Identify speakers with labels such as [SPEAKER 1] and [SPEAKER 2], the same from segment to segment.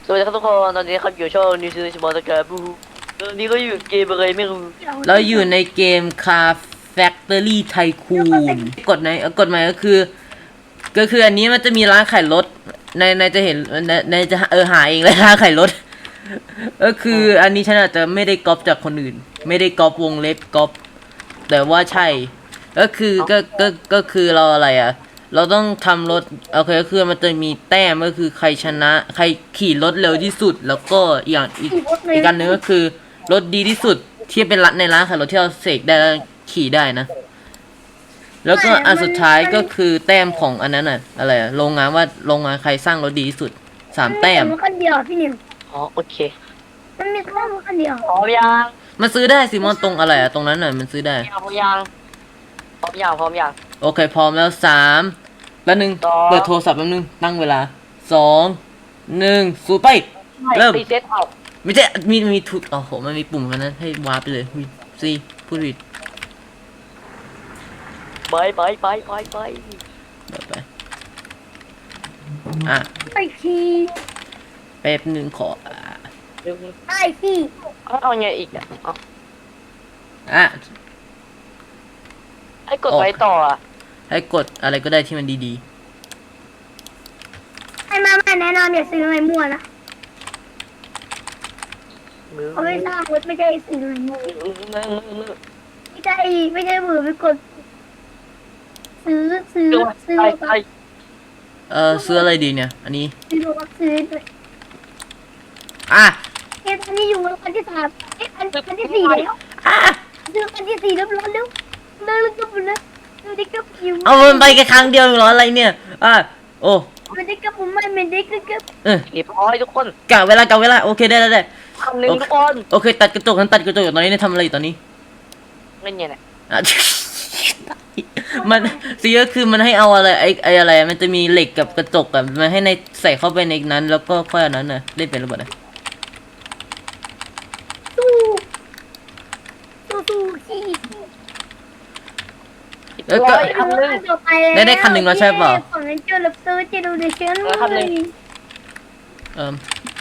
[SPEAKER 1] สวัสดีครับทุกคนตอนนี้ครับอยู่ช่องนิวซีแลนด์สปอร์ตการ์บูตอนนี้ก็อยู่เกมอะไรไม่รู้
[SPEAKER 2] เราอยู่ในเกม Car Factory Tycoon กฎหมายก็คืออันนี้มันจะมีร้านขายรถในจะเห็นในจะหาเองเลยร้านขายรถก็คืออันนี้ฉันอาจจะไม่ได้ก๊อปจากคนอื่น ไม่ได้ก๊อปวงเล็บก๊อปแต่ว่าใช่ก็คือเราอะไรอ่ะเราต้องทำรถโอเคก็คือมันจะมีแต้มก็คือใครชนะใครขี่รถเร็วที่สุดแล้วก็อีกอันหนึงก็คือรถดีที่สุดที่เป็นในร้านขายรถที่เราเสกได้แล้วขี่ได้นะแล้วก็อันสุดท้ายก็คือแต้มของอันนั้นน่ะอะไรอะโรงงานใครสร้างรถดีที่สุด3 แต้ม
[SPEAKER 3] มันคนเดียวพี่นิว
[SPEAKER 1] อ๋อโอเค
[SPEAKER 3] มันมีแค่มันคนเดียว
[SPEAKER 1] พร้อมยัง
[SPEAKER 2] มันซื้อได้ซิมอนตรงอะไรอะตรงนั้นน่ะมันซื้อได้
[SPEAKER 1] พร้อมยัง
[SPEAKER 2] โอเคพร้อมแล้วแล้วนึง
[SPEAKER 1] สอง
[SPEAKER 2] เปิดโทรศัพท์แป๊บนึงตั้งเวลา2 1สู้ไปเริ่ม
[SPEAKER 1] รีเซ็ตเอา
[SPEAKER 2] ไม่ใช่มีทุกโอ้โหมันมีปุ่มกันนั้นให้วาร์ปไปเลยซีพูดผิด
[SPEAKER 1] ไป
[SPEAKER 2] ไปอ่ะ
[SPEAKER 3] ไอ้ขี้
[SPEAKER 2] แป๊บนึงขอ
[SPEAKER 3] ไอ้ขี้
[SPEAKER 1] เอาไงอีกอ่ะเอา
[SPEAKER 2] อ่ะ
[SPEAKER 1] ให้กดไปต่ออ่ะ
[SPEAKER 2] ให้กดอะไรก็ได้ที่มันดี
[SPEAKER 3] ไอ้มาแนะนำอย่าซื้ออะไรมั่วนะ
[SPEAKER 1] มือ
[SPEAKER 3] เขาไม่สร้างรถไม่ได้ซื้ออะไรมั่วไม่ใช่มือไปกดซื้อ
[SPEAKER 1] ไป
[SPEAKER 3] ซื้อ
[SPEAKER 2] ซื้ออะไรดีเนี่ยอันนี้
[SPEAKER 3] ซื้อด้วย
[SPEAKER 2] อ่ะ
[SPEAKER 3] เอ๊ะอันนี้อยู่คันที่3เอ๊ะคันที่4แล้ว
[SPEAKER 2] อ่ะ
[SPEAKER 3] ซื้อคันที่4แล้วร้อนแล้วก็ปุ่นนะมันได้กับอยู่
[SPEAKER 2] เอามันไปแค่ครั้งเดียวเหรออะไรเนี่ยอ่ะโอ้
[SPEAKER 3] มันได้กับผมมันได้กับ
[SPEAKER 1] เรียบร้อยทุกคน
[SPEAKER 2] กะเวลาโอเคได้
[SPEAKER 1] คำหนึ่งทุกคน
[SPEAKER 2] โอเคตัดกระจกอยู่ตอนนี้เนี่ยทำอะไรอยู่ตอนนี้
[SPEAKER 1] เล่นยังไง
[SPEAKER 2] อ่ะ มันซีก็คือมันให้เอาอะไรไออะไรมันจะมีเหล็กกับกระจกอะมันให้ในใส่เข้าไปในนั้นแล้วก็ค่อยอันนั้นน่ะเล่นเป็นหรือเปล่านะ
[SPEAKER 3] สู้ขี้
[SPEAKER 2] แล้วก็
[SPEAKER 1] คำหนึ่ง
[SPEAKER 2] ได้คันหนึ่งแล้วใช่เปล่า
[SPEAKER 3] ของนั้นเจอรับซื้อจะดูในเชิญเลย
[SPEAKER 2] เอ่ม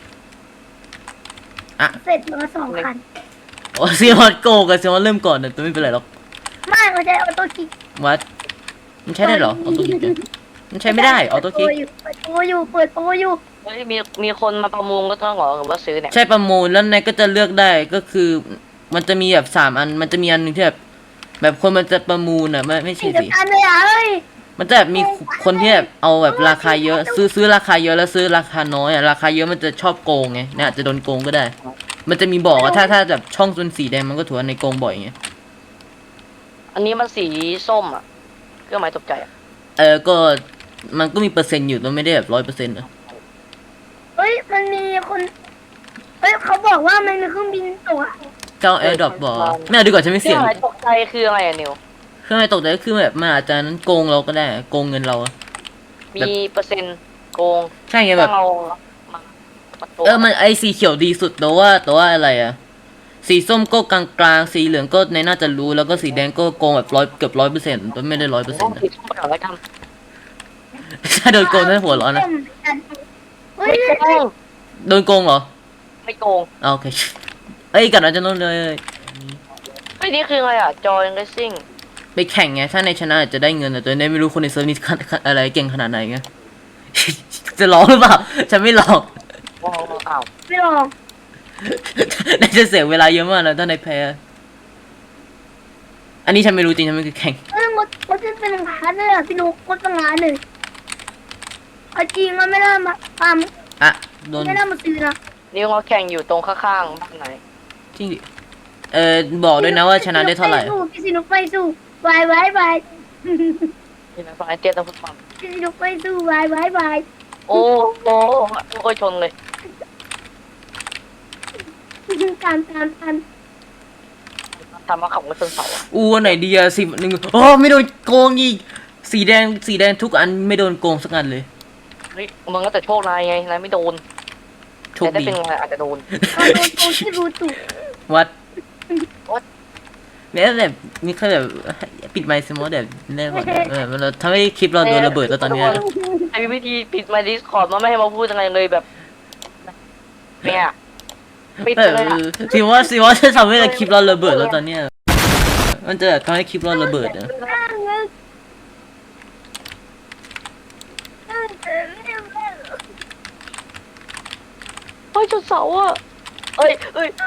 [SPEAKER 2] อ่ะ
[SPEAKER 3] เสร็จมา2 คัน
[SPEAKER 2] โอ้ซีมอนโกกับซีมอนเริ่มก่อนนะแต่ไม่เป็นไรหรอก
[SPEAKER 3] ไม่เขาใช้ออโต้คลิก
[SPEAKER 2] วัดมันใช้ได้เหรอออโต้คลิกเนี่ยมันใช้ไม่ได้ออโต้คลิก
[SPEAKER 3] เปิดโปรอยู่
[SPEAKER 1] เฮ้ยมีคนมาประมูลก็ต้องหรอหรือว่าซื้อเนี่ย
[SPEAKER 2] ใช่ประมูลแล้วนายก็จะเลือกได้ก็คือมันจะมีแบบ3 อันมันจะมีอันหนึงที่แบบคนมันจะประมูลอ่ะไม่ใช่
[SPEAKER 3] เดียว
[SPEAKER 2] สิ
[SPEAKER 3] กันเลยอ่ะเอ้ย
[SPEAKER 2] มันจะแบบมีคนที่แบบเอาแบบราคาเยอะซื้อราคาเยอะแล้วซื้อราคาน้อยอ่ะราคาเยอะมันจะชอบโกงไงเนี่ยอาจจะโดนโกงก็ได้ มันจะมีบอกว่าถ้าแบบช่องเป็นสีแดงมันก็ถือว่าในโกงบ่อยไง
[SPEAKER 1] อันนี้มันสีส้มอ่ะเครื่องหมายตกใจอ่ะ
[SPEAKER 2] ก็มันก็มีเปอร์เซ็นต์อยู่แต่ไม่ได้แบบ100%นะ
[SPEAKER 3] เฮ้ยมันมีคนเฮ้ยเขาบอกว่ามันมีเครื่องบินตกอ่ะ
[SPEAKER 2] เจ้าแอร์ดรอปบอกไม่เอาดีกว่าฉันไม่
[SPEAKER 1] เครื่
[SPEAKER 2] เสี่
[SPEAKER 1] อย ง
[SPEAKER 2] ง
[SPEAKER 1] หมายตกใจคืออะไรอ่ะนิว
[SPEAKER 2] เครื่องไม้ตกแต่ก็คือแบบมันอาจจะนั้นโกงเราก็ได้โกงเงินเราอะ
[SPEAKER 1] มีเปอร์เซ็นต์โกง
[SPEAKER 2] ใช่ไงแบบ
[SPEAKER 1] ถ้าเรามาโกง
[SPEAKER 2] มันไอสีเขียวดีสุดแต่ว่าอะไรอะสีส้มก็กลางๆสีเหลืองก็ในน่าจะรู้แล้วก็สีแดงก็โกงแบบเกือบ100%แต่ไม่ได้100%นะ
[SPEAKER 1] สีส้มไปก่อนแล้วกัน
[SPEAKER 2] ถ้าโดนโกงน่าหัวร้อนนะ
[SPEAKER 3] เฮ้ย
[SPEAKER 1] ไม่โกง
[SPEAKER 2] โดนโกงเหรอ
[SPEAKER 1] ไม่โกง
[SPEAKER 2] อ่าโอเคเอ้ยกันอาจจะโดนเลย
[SPEAKER 1] ไอ้ยนี่คืออะไรอ่ะจอยเรซซิ่ง
[SPEAKER 2] ไปแข่งไงถ้าในชนะอาจจะได้เงินแต่ในไม่รู้คนในเซิร์ฟนี้อะไรเก่งขนาดไหนไง จะร้องหรือเปล่าฉันไม่ร้อง
[SPEAKER 1] ว้าวอ้าว
[SPEAKER 3] ไม่ลอง
[SPEAKER 2] น่าจะเสียเวลาเยอะมากนะถ้าในแพ้อันนี้ฉันไม่รู้จริงฉันไม่เคยแข่ง
[SPEAKER 3] เฮ้ยรถจะเป็นล้านเลยอ่ะพี่นุ๊กรถเป็นล้านเลยเอาจริงมันไม่ได้มาตาม
[SPEAKER 2] อ่ะโดน
[SPEAKER 3] ไม่ได้มาซื้อนะ
[SPEAKER 1] นิวเราแข่งอยู่ตรงข้างๆบ้านไหน
[SPEAKER 2] จริงดิบอกด้วยนะว่าชนะได้เท่าไหร่
[SPEAKER 3] พี่สินุกไปสู้บาย
[SPEAKER 1] ที่ไหนฝั่งไอเตี้ยต้องพูดความ
[SPEAKER 3] พี่สินุกไปสู้บาย
[SPEAKER 1] โอ้โหโอ้ยชนเลย
[SPEAKER 3] การ
[SPEAKER 1] ทำมาขับรถชนเสาอะ
[SPEAKER 2] อันไหนดีอะ10 1โอ้ไม่โดนโกงอีกสีแดงทุกอันไม่โดนโกงสักอันเลย
[SPEAKER 1] เฮ้ยมึงก็แต่โชคนายไงนายไม่โดน
[SPEAKER 2] โช
[SPEAKER 1] แต่
[SPEAKER 2] ค
[SPEAKER 1] ถ้า
[SPEAKER 2] ดี
[SPEAKER 1] เป็นไงอาจจะโดน
[SPEAKER 3] เราโดนโกงที่รู้จุ
[SPEAKER 2] วัด
[SPEAKER 1] What?
[SPEAKER 2] เนี่ยแบบมีแค่แบบปิดไมค์สมมติแบบเล่นแบบเราทำให้คลิปเราโดนระเบิดแล้วตอนเนี้ย
[SPEAKER 1] ไอ้วิธีปิดไมค์ดิสคอร์ดมันไม่ให้มาพูดอะไรเลยแบบเนี่ยปิด
[SPEAKER 2] เอ
[SPEAKER 1] เลย
[SPEAKER 2] อสิว่าจะทำให้คลิปเราระเบิดแล้วตอนเนี้ยมันจะทำให้คลิปเราระเบิดนะ
[SPEAKER 1] เฮ้ยจุดเสาอ่ะเอ้ย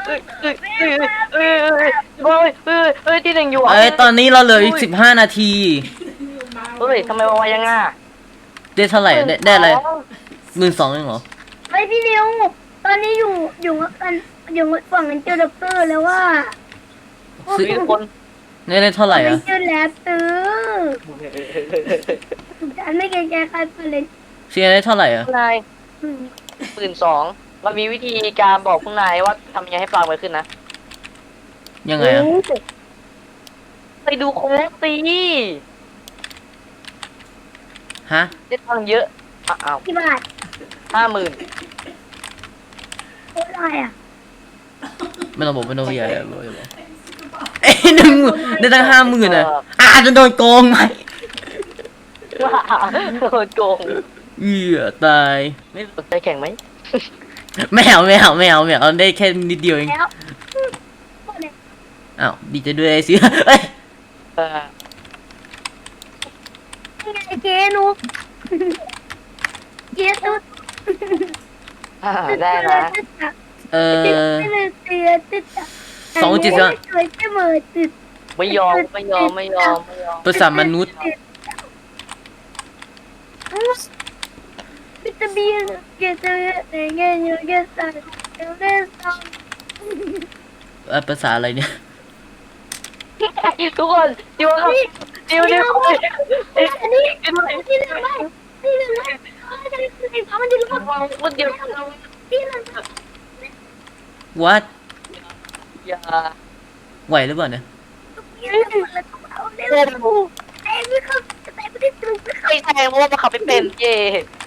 [SPEAKER 1] ที่หนึ่งอยู่
[SPEAKER 2] เอ้ยตอนนี้เราเหลืออีก15 นาที
[SPEAKER 1] เฮ้ยทำไมวะยังอ่ะ
[SPEAKER 2] ได้เท่าไหร่ได้อะไร12,000เองเหรอ
[SPEAKER 3] ไอ้พี่นิวตอนนี้อยู่กันอยู่ฝั่งนั้นเจอด็อกเตอร์แล้วว่า
[SPEAKER 2] ซื้อ
[SPEAKER 1] มีคน
[SPEAKER 2] ได้เท่าไหร่
[SPEAKER 3] ไม่
[SPEAKER 2] อ่ะ
[SPEAKER 3] เจอแล้วฉันไม่เกรงใจใครเลย
[SPEAKER 2] เสียได้เท่าไหร่อ่ะ
[SPEAKER 1] นาย12,000เรามีวิธีการบอกคุณนายว่าทำยังไงให้ปลาไวขึ้นนะ
[SPEAKER 2] ยังไงอ่ะ
[SPEAKER 1] ไปดูโค้กสิ
[SPEAKER 2] ฮะ
[SPEAKER 1] ได้ตังค์เยอะอ้าว
[SPEAKER 3] กี่บาท
[SPEAKER 1] 50,000
[SPEAKER 3] โอ้ยอะไรอ่ะ
[SPEAKER 2] ไม่ต้องบอกไม่ต้องอย่าบอกเอ้ยได้ตั้ง50,000อ่ะอาจจะโดนโกงไหม
[SPEAKER 1] ว้าโดนโกง
[SPEAKER 2] ตาย
[SPEAKER 1] ไม่สนใจแข่งไหม
[SPEAKER 2] ไม่เอาได้แค่นิดเดียวเอง
[SPEAKER 3] แล้ว
[SPEAKER 2] อ้าวดีใจด้วยไอ้สิเอ้ย
[SPEAKER 1] เออ
[SPEAKER 3] นี่ไงเจนุกเจสุด
[SPEAKER 1] ได้นะ
[SPEAKER 2] 2.5
[SPEAKER 3] สวยเสมอติด
[SPEAKER 1] ไม่ยอม
[SPEAKER 2] ภาษามนุษย์
[SPEAKER 3] วิตามินเกสรในเงี้ยอยู่เกสรเอลเลสตอง
[SPEAKER 2] ภาษาอะไรเนี่ย
[SPEAKER 1] ทุกคนดิวครับดิว
[SPEAKER 3] อันนี้ที่หนึ่งไม่ที่หนึ่งไม่ที่สองมันจะรู้
[SPEAKER 1] คนเดียว
[SPEAKER 3] ที่หนึ่ง
[SPEAKER 2] what
[SPEAKER 1] อย่า
[SPEAKER 2] ไหวหรือเปล่าเนี่ย
[SPEAKER 3] ที่หนึ่งแล้วเอาเร็วแต่ไม่เข้าแต่ไม่ได้ตึงไม่เข้า
[SPEAKER 1] ไม่แทงเพราะว่ามันขับไม่เป็นเย่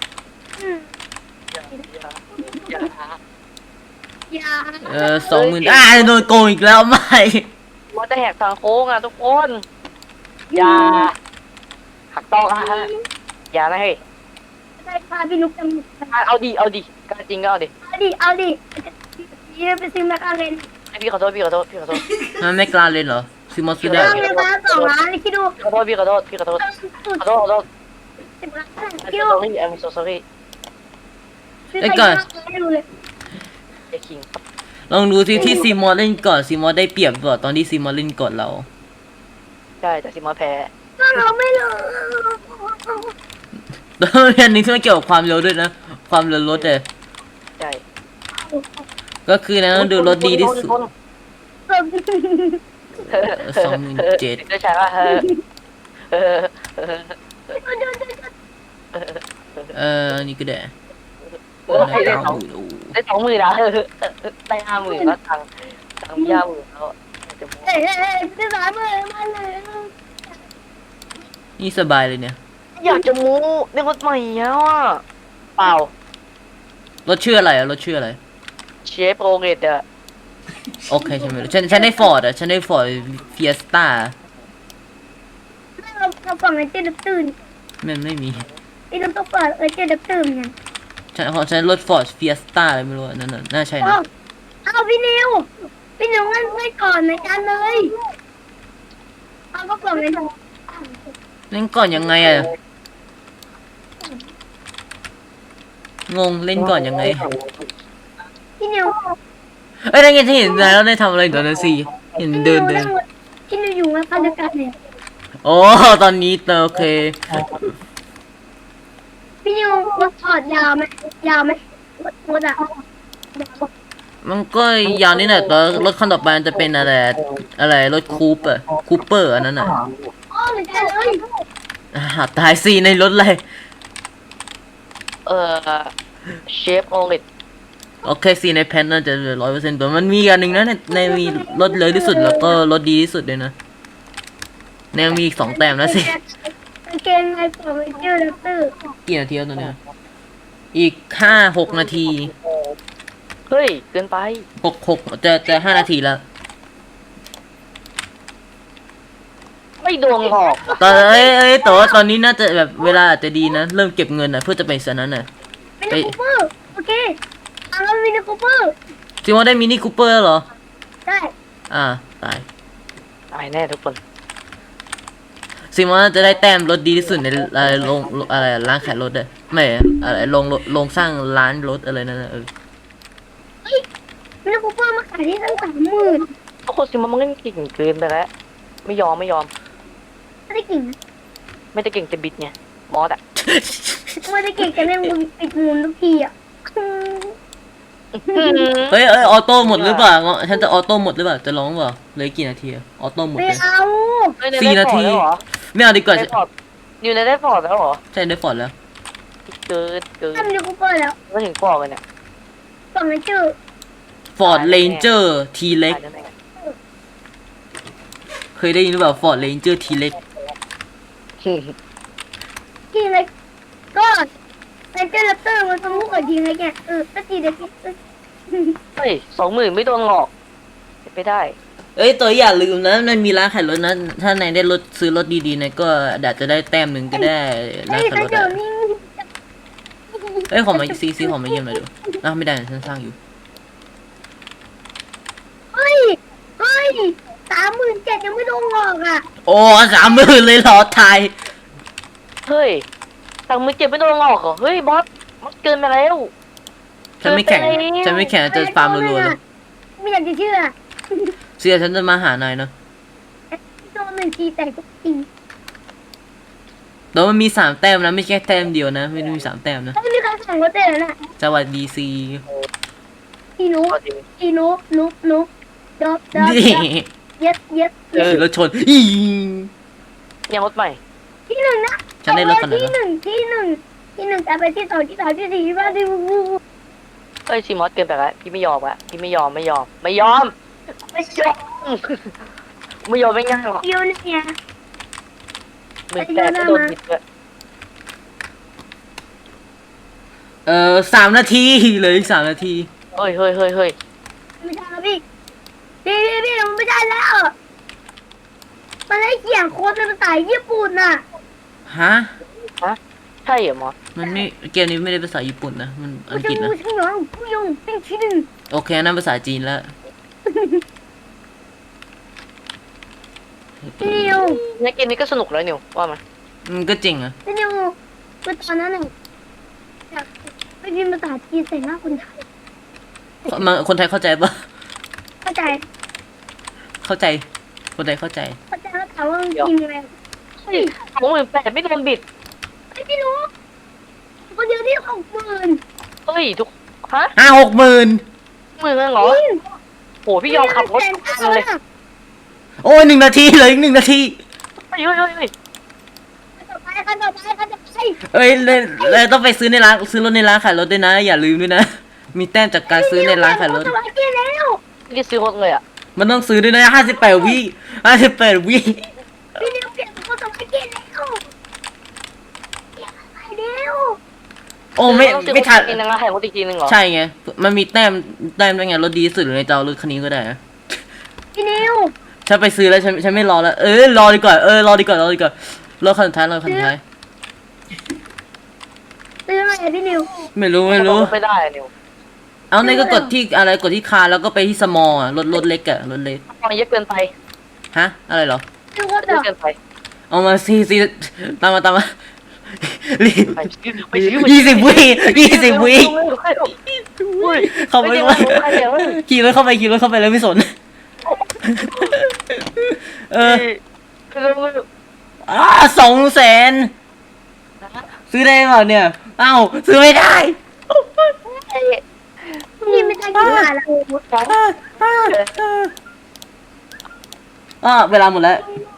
[SPEAKER 1] อย่า
[SPEAKER 3] อย่า
[SPEAKER 2] 20,000โดนโกงอีกแล้วไม่
[SPEAKER 1] มันจะแหกทางโค้งอ่ะทุกคนอย่าหักต้องฮะอย่านะเฮ้ย
[SPEAKER 3] ได้พาพี่นุ๊กจมูก
[SPEAKER 1] เอาดิการจริงก็เอาดิ
[SPEAKER 3] เอาดิยืมไปซื้อแมคคาเรน
[SPEAKER 1] พี่ขอโทษ
[SPEAKER 2] มันไม่กล้าเล่นเหรอซื้อมอสซื้อได้
[SPEAKER 3] ตั้งเลยมา2 ล้านเลยคิดดู
[SPEAKER 1] ขอโทษ
[SPEAKER 3] สุด
[SPEAKER 1] 10 ล้านคิดดู I'm so sorry
[SPEAKER 3] ซื้อไปเยอะไม่รู้เลย
[SPEAKER 1] ไอ้คิง
[SPEAKER 2] ลองดูซิที่ซีมอสเล่นก่อนซีมอสได้เปรียบกว่าตอนที่ซีมอสเล่นก่อนเรา
[SPEAKER 1] ใช่แต่สิมาแพ้
[SPEAKER 3] เราไม่รู้
[SPEAKER 2] แล้วอันนี้ที่มันเกี่ยวกับความเร็วด้วยนะ ความเร็วรถเลย
[SPEAKER 1] ใช่
[SPEAKER 2] ก็คือนะต้องดูรถดีที่สุด 27,000
[SPEAKER 1] ได้ใช่ป่ะ
[SPEAKER 2] อันนี้ก็ได้
[SPEAKER 1] ได้20,000นะได้50,000แล้วตังค์50,000แล้วจะโม้
[SPEAKER 3] เอ้ยซื้อสามเลยมาเลย
[SPEAKER 2] นี่สบายเลยเนี่ย
[SPEAKER 1] อยากจะโม้ในรถใหม่แล้วอ่ะเปล่าร
[SPEAKER 2] ถชื่ออะไรอะรถชื่ออะไร
[SPEAKER 1] เชฟโรเกตอะ
[SPEAKER 2] โอเคฉันไม่รู้ฉันได้ฟอร์ดอะฉันได้ฟอร์ดเฟียสต้า
[SPEAKER 3] เราฝั่งไอ้เจ๊ดับตื่น
[SPEAKER 2] มันไม่มี
[SPEAKER 3] ไอ้น้ำต้องเปิดไอ้เจ๊ดับตื่นไง
[SPEAKER 2] ฉันรถฟอร์ดเฟียสต้าอะไรไม่รู้นั่นน่ะน่าใช่นะ
[SPEAKER 3] เอาพี่นิวงั้นไม่ก่อนในการเลยเอาก็ฝั่งไอ้
[SPEAKER 2] เล่นก่อนยังไงอะงงเล่นก่อนยังไง
[SPEAKER 3] พี่นิว
[SPEAKER 2] เอ้ยนั่นไงที่เห็นแล้วได้ทำอะไรตอนนั้นสิเห็นเดิน
[SPEAKER 3] พี่นิวอยู่มาพันธการเนี่ย
[SPEAKER 2] โอ้ตอนนี้โอเค
[SPEAKER 3] พี่นิวรถถอดยาวไหมรถอะ
[SPEAKER 2] มันก็ยาวนิดหน่อยแต่รถคันต่อไปมันจะเป็นอะไรรถคูปเปอร์อันนั้นอ่ะ
[SPEAKER 3] อ๋อเหมือนกันเลย
[SPEAKER 2] ตายสิในรถอะไร
[SPEAKER 1] เชฟโรเกต
[SPEAKER 2] โอเคสิในแพนน่าจะ100%แต่มันมีอันหนึ่งนะในมีรถเลยที่สุดแล้วก็รถดีที่สุดเลยนะแนวมีอีก2 แต้มแล้วสิ
[SPEAKER 3] เกงในปอมเจอร์ดับตื่น
[SPEAKER 2] กี่นาทีแล้วตอนเนี้ยอีก5-6 นาที
[SPEAKER 1] เฮ้ยเกินไป
[SPEAKER 2] 6จะ5 นาทีแล้ว
[SPEAKER 1] ไม่โดนหรอก
[SPEAKER 2] ตอนแต่ว่าตอนนี้น่าจะแบบเวลาอาจจะดีนะเริ่มเก็บเงินนะเพื่อจะไปสนั้นน่ะ
[SPEAKER 3] ไม่ได้คูเปอร์โอเคเอาแล้วมินิคูเปอร์
[SPEAKER 2] ซีมอนได้มินิคูเปอร์เหรอ
[SPEAKER 3] ใช่
[SPEAKER 2] ตาย
[SPEAKER 1] ตายแน่ทุกคน
[SPEAKER 2] ซีมอนจะได้แต้มรถดีที่สุดในโรงอะไรร้านขายรถเลยไม่อะไรโรงสร้างร้านรถอะไรนั่นนะ
[SPEAKER 3] มินิคูเปอร์มาขายที่ตั้ง30,000
[SPEAKER 1] ทุกคนสิมันเล่นเก่งเกินไปแล้วไม่ยอม
[SPEAKER 3] ไม่ได้เก่งนะ
[SPEAKER 1] ไม่ได้เก่งจะบิดไงมอสอ่ะ
[SPEAKER 3] ไม่ได้เก่งแต่เล่นปิดมูลทุกทีอ่ะ
[SPEAKER 2] เฮ้ยออโต้หมดหรือเปล่าฉันจะออโต้หมดหรือเปล่าจะร้องเปล่าเหลยกี่นาทีอะออโต้หมด
[SPEAKER 3] ไม่
[SPEAKER 2] เลย
[SPEAKER 3] เอา
[SPEAKER 2] 4 นาที ไม่เอาดีกว่า
[SPEAKER 1] ได้ฟอร์ดอยู่ในได้ฟอร์ดแล้วเหรอ
[SPEAKER 2] ใช่ได้ฟอร์ดแล้ว
[SPEAKER 1] เกิน
[SPEAKER 3] ทำมินิคูเปอร์แล้ว
[SPEAKER 1] ไม่ถึงฟอร์ดเลยเนี่ย
[SPEAKER 3] ส่งในชื่อ
[SPEAKER 2] ฟอร์ดเรนเจอร์ทีเล็ก
[SPEAKER 1] ตายแน่
[SPEAKER 2] เคยได้ยินหรือเปล่าฟอร์ดเรนเจอร์ทีเล็ก
[SPEAKER 3] ทีเล็กก็เป็นเจ้าลัตเตอร์มันสมุกกับทีเล็กเนี่ยก็ทีเล็ก
[SPEAKER 1] เฮ้ย20,000ไม่โดนหลอกไม่ได้
[SPEAKER 2] เอ้ยตัวอย่าลืมนะมันมีร้านขายรถนะถ้านายได้รถซื้อรถดีๆนายก็อาจจะได้แต้มหนึ่งก็ได้ร้าน
[SPEAKER 3] ไอ้
[SPEAKER 2] ขายรถ
[SPEAKER 3] เดี๋ย
[SPEAKER 2] อะ
[SPEAKER 3] วนี้
[SPEAKER 2] เอ้ยขอมาซีขอมาเยี่ยมหน่อยดูไม่ได้ฉันสร้างอยู่
[SPEAKER 3] เฮ้ย37,000ยังไม่โดนหลอกอ่ะ
[SPEAKER 2] โอ้30,000เลยเหรอไทย
[SPEAKER 1] เฮ้ยตังค์มึงเจ็บไม่โดนหลอกเหรอเฮ้ยบอสมันเกินไปแล้ว
[SPEAKER 2] ฉันไม่แข่งจะฟาร์มรัวๆเลย
[SPEAKER 3] ไม่อยากจะเชื่อ
[SPEAKER 2] เสียฉันจะมาหานายเนาะ
[SPEAKER 3] โดน1 ทีแต่ทุกที
[SPEAKER 2] แต่มันมี3 แต้มนะไม่ใช่แต้มเดียวนะไม่ได้มี3 แต้มนะ
[SPEAKER 3] ไม่มีใครสั่งรถเต้แล้วน่ะ
[SPEAKER 2] สวัสดีซี
[SPEAKER 3] อีนุ
[SPEAKER 1] เอาจริง
[SPEAKER 3] นุ๊กดอบ
[SPEAKER 2] นี่
[SPEAKER 3] เย็ด
[SPEAKER 2] ขี่รถชนอี
[SPEAKER 1] ยังรถใหม่
[SPEAKER 3] ที่หนึ่งนะ
[SPEAKER 2] ฉันได้รถคันไหน
[SPEAKER 3] ที่
[SPEAKER 2] วะ
[SPEAKER 3] หนึ่งแต่ไปที่ 2 ที่ 3 ที่ 4 ที่ 5 ที่
[SPEAKER 1] เฮ้ยซีมอสเกินไปแล้วพี่ไม่ยอมอะพี่ไม่ยอมไม่ยอมไม่ยอมไม่ง่ายหรอก
[SPEAKER 3] เดียวเนี่ย
[SPEAKER 1] มึงแต่ก็โดนบิดเลย
[SPEAKER 2] 3 นาทีเหลยอีก3 นาที
[SPEAKER 1] เฮ้ย
[SPEAKER 3] ไม่ใช่แล้วพี่มันไม่ได้แล้ว มันได้เขียนโค้ดเป็นภาษาญี่ปุ่นน่ะ
[SPEAKER 2] ฮะ
[SPEAKER 1] ใช่เหรอมอส
[SPEAKER 2] มันไม่เกมนี้ไม่ได้ภาษาญี่ปุ่นนะมันอังกฤษนะ
[SPEAKER 3] ช่างหนองผู้ยงเป็นที่หนึ่ง
[SPEAKER 2] โอเคนั่นภาษาจีนแล้ว
[SPEAKER 3] พี่นิว
[SPEAKER 1] ในเกมนี้ก็สนุกแล้วนิวว่ามัน
[SPEAKER 2] มันก็จริงอะ
[SPEAKER 3] พี่นิวคือตอนนั้นน่ะอยากไปพิมพ์ภาษาจีนใส่หน้าคนไทย
[SPEAKER 2] คนไทยเข้าใจปะ
[SPEAKER 3] เข้าใจ
[SPEAKER 2] เข้าใจคนไทยเข้าใจ
[SPEAKER 3] แล้วถามว่าพิมพ์ยังไง
[SPEAKER 1] เฮ้ย28,000ไม่โดนบิด
[SPEAKER 3] ไอ้พี่นิวคนเดียวที่60,000
[SPEAKER 1] เฮ้ยทุกฮะ
[SPEAKER 2] 60,000
[SPEAKER 1] มือเงินเหรอโหพี่ยอมขับรถเลย
[SPEAKER 2] โอ้ย1 นาทีเหลยอีก1 นาที
[SPEAKER 1] เฮ้ย
[SPEAKER 3] ต่อไปคันต่อไป
[SPEAKER 2] เอ้ยเลยต้องไปซื้อในร้านซื้อรถในร้านขายรถด้วยนะ อย่าลืมด้วยนะ มีแต้มจากการซื้อในร้านขายรถ
[SPEAKER 3] สวัสดีแล้ว
[SPEAKER 1] ไม่ได้ซื้อรถเลยอ่ะ
[SPEAKER 2] มันต้องซื้อด้วยนะ58 วิ58 วิ
[SPEAKER 3] พี่นิวเปลี่ยนคนสวัสดีแล้วเร็ว
[SPEAKER 2] โอ้ไม่ทัน
[SPEAKER 1] กินนะแข่งรถอีกทีนึงเหรอ
[SPEAKER 2] ใช่ไงมันมีแต้มด้วยไงรถดีที่สุดในเจ้ารถคันนี้ก็ได้นะ
[SPEAKER 3] พี่นิว
[SPEAKER 2] ฉันไปซื้อแล้วฉันไม่รอแล้วรอดีกว่ารอดีกว่ารถคันสุดท้ายรถคันสุดท้าย
[SPEAKER 3] ซื้ออะไรพี่นิว
[SPEAKER 2] ไม่รู้
[SPEAKER 1] ไม่ได้อะนิว
[SPEAKER 2] เอาในก็กดที่อะไรกดที่คาร์แล้วก็ไปที่สมอลอ่ะรถเล็กอ่ะรถเล็ก
[SPEAKER 1] ตอนเยอะเกินไป
[SPEAKER 2] ฮะอะไรเหรอ
[SPEAKER 3] ซื้อรถ
[SPEAKER 1] เย
[SPEAKER 3] เหร
[SPEAKER 1] อะ
[SPEAKER 3] อ
[SPEAKER 1] เกินไป
[SPEAKER 2] เอามาซีตามมารีบ
[SPEAKER 1] ไปซื้อ
[SPEAKER 2] 20 วิเข้าไปขี่รถเข้าไปแล้วไม่สน200,000ซื้อได้เปล่าเนี่ยเอ้าซื้อไม่ได้
[SPEAKER 3] พี่ไม่ได้กินมาแล้ว
[SPEAKER 2] เวลาหมดแล้ว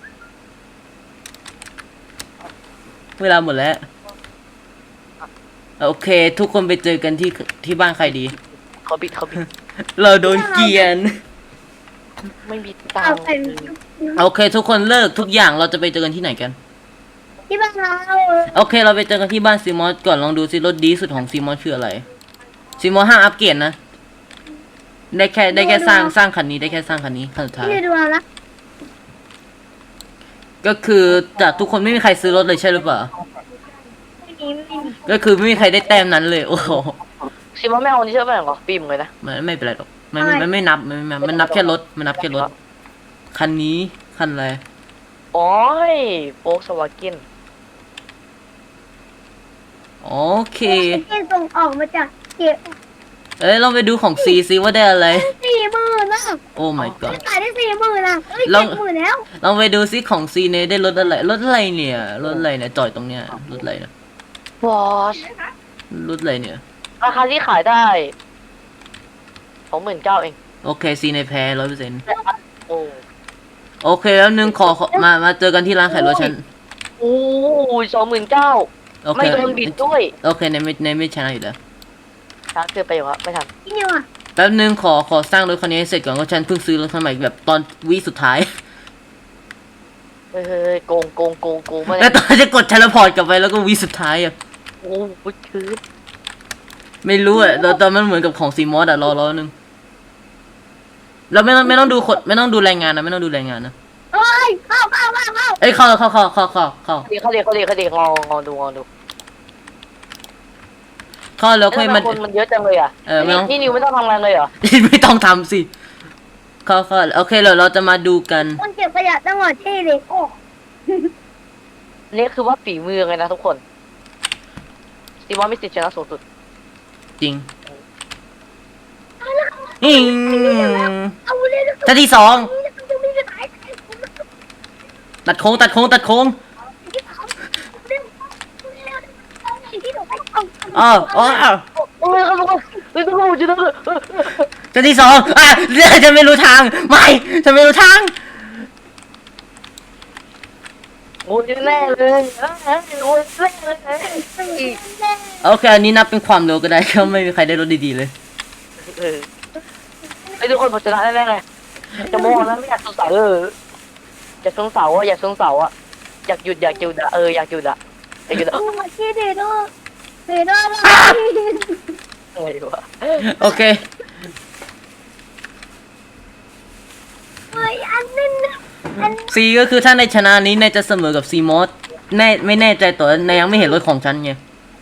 [SPEAKER 2] โอเค ทุกคนไปเจอกันที่บ้านใครดี
[SPEAKER 1] เขาบิด
[SPEAKER 2] เราโดนเกลียน
[SPEAKER 1] ไม่มีตัง
[SPEAKER 3] เอา
[SPEAKER 1] ค์
[SPEAKER 3] ไป
[SPEAKER 2] โอเค ทุกคนเลิกทุกอย่างเราจะไปเจอกันที่ไหนกัน
[SPEAKER 3] ที่บ้านเรา
[SPEAKER 2] โอเค เราไปเจอกันที่บ้านซีมอสก่อนลองดูซิรถดีสุดของซีมอสคืออะไรซีมอสห้ามอัปเกรดนะได้แค่สร้างคันนี้ได้แค่สร้างคันนี้คันสุดท้าย
[SPEAKER 3] พี่นิวดูเอาละ
[SPEAKER 2] ก็คือจากทุกคนไม่มีใครซื้อรถเลยใช่หรือเปล่า
[SPEAKER 3] ไม่มี
[SPEAKER 2] ก็คือไม่มีใครได้แต้มนั้นเลยโอ้โห
[SPEAKER 1] ซิมอนไม่เอานี่เชื่อป่ะเหรอฟิล์มเลยนะ
[SPEAKER 2] มันไม่เป็นไรหรอกมันไม่นับมันนับแค่รถมันนับแค่รถคันนี้คันอะไร
[SPEAKER 1] โอ้ยโฟล์กสวาเกน
[SPEAKER 2] โอเค
[SPEAKER 3] ที่ส่งออกมาจากเก็บ
[SPEAKER 2] เอ้ยลองไปดูของซีซิว่าได้อะไร
[SPEAKER 3] 40,000นะ
[SPEAKER 2] โอ้ my god
[SPEAKER 3] ขายได้40,000นะเอ้ย
[SPEAKER 2] ลอง
[SPEAKER 3] 70,000แล้ว
[SPEAKER 2] ลองไปดูซิของซีเนได้รถอะไรรถอะไรเนี่ยรถอะไรเนี่ยจอดตรงเนี้ยรถอะไรเนี่ย
[SPEAKER 1] วอช
[SPEAKER 2] รถอะไรเนี่ย
[SPEAKER 1] ราคาที่ขายได้29,000เอง
[SPEAKER 2] โอเคซีเนแพ้100%
[SPEAKER 1] โอ้
[SPEAKER 2] โอเคแล้วนึงขอมาเจอกันที่ร้านขายรถฉัน
[SPEAKER 1] โอ้ย29,000
[SPEAKER 2] โอเค
[SPEAKER 1] ไม่โดนบิดด้วย
[SPEAKER 2] โอเคในไม่ชนะอยู่แล้ว
[SPEAKER 1] ช้าเกินไปอยู่ครับไม่ทัน
[SPEAKER 3] ที่นี่ว่ะ
[SPEAKER 2] แป๊บนึงขอสร้างรถคันนี้ให้เสร็จก่อนเพราะฉันเพิ่งซื้อรถคันใหม่แบบตอนวิสุดท้าย
[SPEAKER 1] เฮ้ยโกงมา
[SPEAKER 2] แล้วตอนจะกดเทเลพอร์ตกลับไปแล้วก็วิสุดท้ายอ่ะ
[SPEAKER 1] โอ้ยคือ
[SPEAKER 2] ไม่รู้อ่ะตอนมันเหมือนกับของซีมอสอ่ะรอนึงเราไม่ต้องดูไม่ต้องดูรายงานนะไม่ต้องดูรายงานนะ
[SPEAKER 3] เอ้ยเข้า
[SPEAKER 2] เอ้ยเข้า
[SPEAKER 1] เขาเด็กงอดู
[SPEAKER 2] เข้าแล้วค่อยมา
[SPEAKER 1] คนมันเยอะจังเลยอ่ะ
[SPEAKER 2] ไม่ต้อง
[SPEAKER 1] นี่นิวไม่ต้องทำงานเลยเหรอ
[SPEAKER 2] ไม่ต้องทำสิเข้าโอเคเราจะมาดูกัน
[SPEAKER 3] คนเก็บขยะจังหวัดที่เลยโอ้
[SPEAKER 1] นี่คือว่าฝีมือเลยนะทุกคนซีมอนมีสิทธิ์ชนะสูงสุด
[SPEAKER 2] จริงอิง
[SPEAKER 3] เอาเลย
[SPEAKER 2] ท่าที่สอง
[SPEAKER 3] จะมีจะตาย
[SPEAKER 2] ตัดโค้ง
[SPEAKER 3] ที่หนูไปเอา
[SPEAKER 2] อ้าว
[SPEAKER 1] โอ้ยครับทุกคนจะต้อง
[SPEAKER 2] ท่าที่สองฉันไม่รู้ทางไม่ฉันไม่รู้ทาง
[SPEAKER 1] โอ้ยแน่เลยโอ้ยแน่เลย
[SPEAKER 2] โอเคอันนี้นับเป็นความเร็วก็ได้ก็ไม่มีใครได้รถดีๆเลย
[SPEAKER 1] ไอ้ทุกคนผมชนะแน่ๆเลยจะมองแล้วไม่อยากสงสัยอยากสงสัยอ่ะอยากหยุดอยากหยุดอยากหยุด
[SPEAKER 3] มาที่เดโดอะไร
[SPEAKER 1] วะ
[SPEAKER 2] โอเค
[SPEAKER 3] เฮ้ยอันนั้นอัน
[SPEAKER 2] ซีก็คือถ้าในชนะนี้นายจะเสมอกับซีมอสไม่แน่ใจตัวนายยังไม่เห็นรถของฉันไง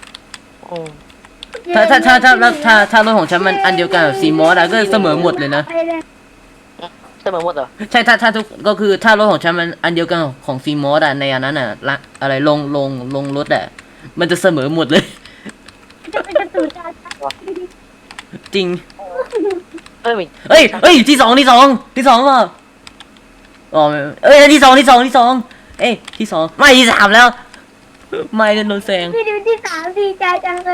[SPEAKER 2] ถ้ารถของฉันมันอันเดียวกันกับซีมอสอะก็เสมอหมดเลยนะ
[SPEAKER 1] เสมอหมดเหรอ
[SPEAKER 2] ใช่ถ้าทุกก็คือถ้ารถของฉันมันอันเดียวกันของซีมอสอะในอันนั้นอะละอะไรลงรถอะมันจะเสมอหมดเลย จริง เอ้ยที่สองป่ะอ๋อเอ้ยที่สองเอ้ยที่สองไม่ที่สามแล้ว ไม่โดนแซง
[SPEAKER 3] พี่ดูที่3ดีใจจังเลย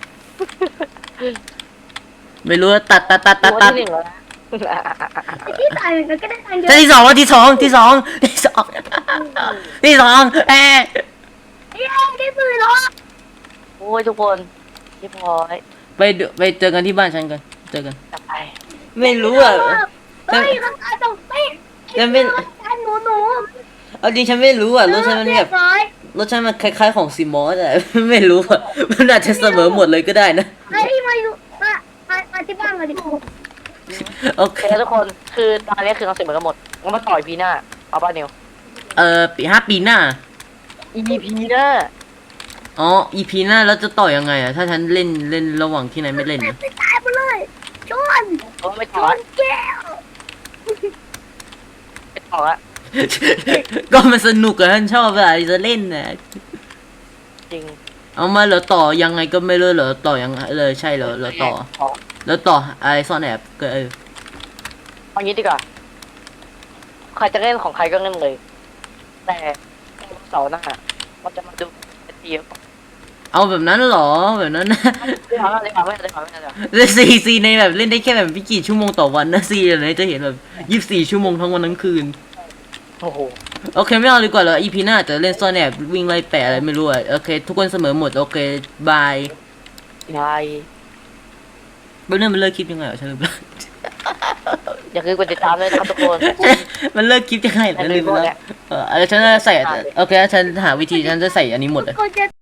[SPEAKER 2] ไม่รู้ตัด
[SPEAKER 1] ที่หนึ่งแล้ว
[SPEAKER 3] ที่3เหมือนกันก็ได้ตังค์เยอะ
[SPEAKER 2] แต่ที่สองที่สองเอ้ย
[SPEAKER 3] เย้ได้ปืนหรอ
[SPEAKER 1] โอ้ยทุกคนพี่พลอย
[SPEAKER 2] ไปเจอกันที่บ้านฉันกันเจอกัน
[SPEAKER 1] จะไป
[SPEAKER 2] ไม่รู้อ่ะ
[SPEAKER 3] เฮ้ยราคาตกเป๊ะ
[SPEAKER 2] ฉันไม่
[SPEAKER 3] อันหนู
[SPEAKER 2] เอาจริงฉันไม่รู้อ่ะรถฉันมันแบบรถฉันมันคล้ายๆของซีมอสแต่ ไม่รู้อ่ะมันอาจจะเสมอหมดเลยก็ได้นะ
[SPEAKER 3] เฮ้ยมาอยู่มาที่บ้านมาดิ
[SPEAKER 2] โอเค
[SPEAKER 1] ทุกคนคือตอนนี้คือเราเสร็จหมดกันหมดงั้นมาต่อยปีหน้าเอาป่ะนิว
[SPEAKER 2] ปีหน้า
[SPEAKER 1] EP หน้า
[SPEAKER 2] อ๋อ EP หน้าแล้วจะต่อยังไงอ่ะถ้าฉันเล่นระหว่างที่นายไม่เล่นนะ
[SPEAKER 3] ไปตายไปเลยชน
[SPEAKER 1] ไม่
[SPEAKER 3] ช
[SPEAKER 1] ต่อน
[SPEAKER 3] แก้ว
[SPEAKER 1] ไม่ต่อละ
[SPEAKER 2] ก็มันสนุกอะฉันชอบอะจะเล่นนะ
[SPEAKER 1] จริง
[SPEAKER 2] เอามาเหรอต่อยังไงก็ไม่รู้เหรอต่อยังไงเลยใช่เหรอต่อแล้วต่ออะไรซ่อนแอบก็
[SPEAKER 1] เอางี้ดีกว่าใครจะเล่นของใครก็เล่นเลย แต่เสาร์หน้าเราจะมาดูเดียว
[SPEAKER 2] เอาแบบนั้นเหรอแบบนั้นนะ
[SPEAKER 1] ได้
[SPEAKER 2] ซีในแบบเล่นได้แค่แบบไม่กี่ชั่วโมงต่อวันนะซีอะไรจะเห็นแบบ24 ชั่วโมงทั้งวันทั้งคืน
[SPEAKER 1] โอ้โห
[SPEAKER 2] โอเคไม่เอาดีกว่าเหรอ EP หน้าจะเล่นซ่อนแอบวิ่งไล่แปะอะไรไม่รู้อะโอเคทุกคนเสมอหมดโอเคบาย
[SPEAKER 1] ยาย
[SPEAKER 2] เรื่องมันเลิกคลิปยังไงวะฉันลืมแล้ว
[SPEAKER 1] อย่าลืมกดติดตามด้วยนะครับทุกคน
[SPEAKER 2] มันเลิกคลิปยังไงนะลืมไปแล้วฉันจะใส่โอเคฉันหาวิธีฉันจะใส่อันนี้หมดเลย
[SPEAKER 3] คนจะ